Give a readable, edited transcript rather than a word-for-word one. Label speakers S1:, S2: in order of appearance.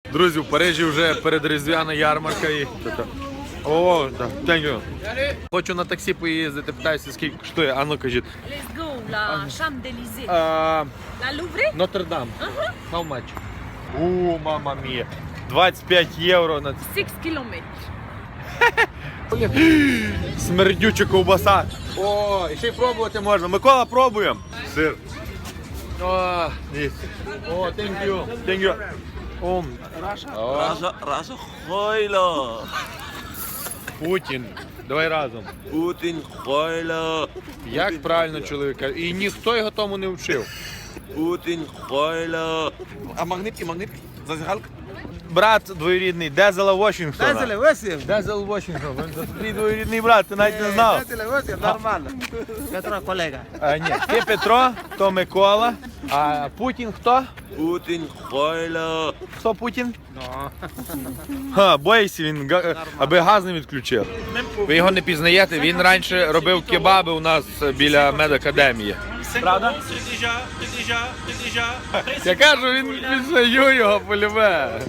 S1: Друзі, в Парижі вже передріздвяна ярмарка і... О, так, дякую. Хочу на таксі поїздити, питаюся, скільки коштує. А ну кажіть.
S2: Let's go, la Chambre d'Élysée.
S1: La
S2: La Louvre?
S1: Нотр-Дам. How much? О, мама мія. 25 євро на
S2: 6 кілометрів.
S1: смердюча ковбаса. О, і ще й пробувати можна. Микола, пробуємо. Сир. О, ні. О, thank you. Thank you. О,
S3: Раша Хойло.
S1: Путін. Давай разом.
S3: Путін Хойло.
S1: Як правильно чоловіка? І ніхто його тому не вчив.
S3: Путін Хойло. А магнитки? Зазігалка?
S1: Брат двоюрідний Дезела Вашингтона.
S4: Дезеле, Василь.
S1: Дезел Вашингтон. Він твій двоюрідний брат, ти навіть не знав.
S4: Дезеле, Василь, нормально. Петро, колега.
S1: А, ні, ти Петро, то Микола. А Путін хто?
S3: Путін Хойло.
S1: Хто Путін? Ха, боїться він, аби газ не відключив. Ви його не пізнаєте, він раніше робив кебаби у нас біля медакадемії. Правда? Я кажу, він пізнаю його полюбе.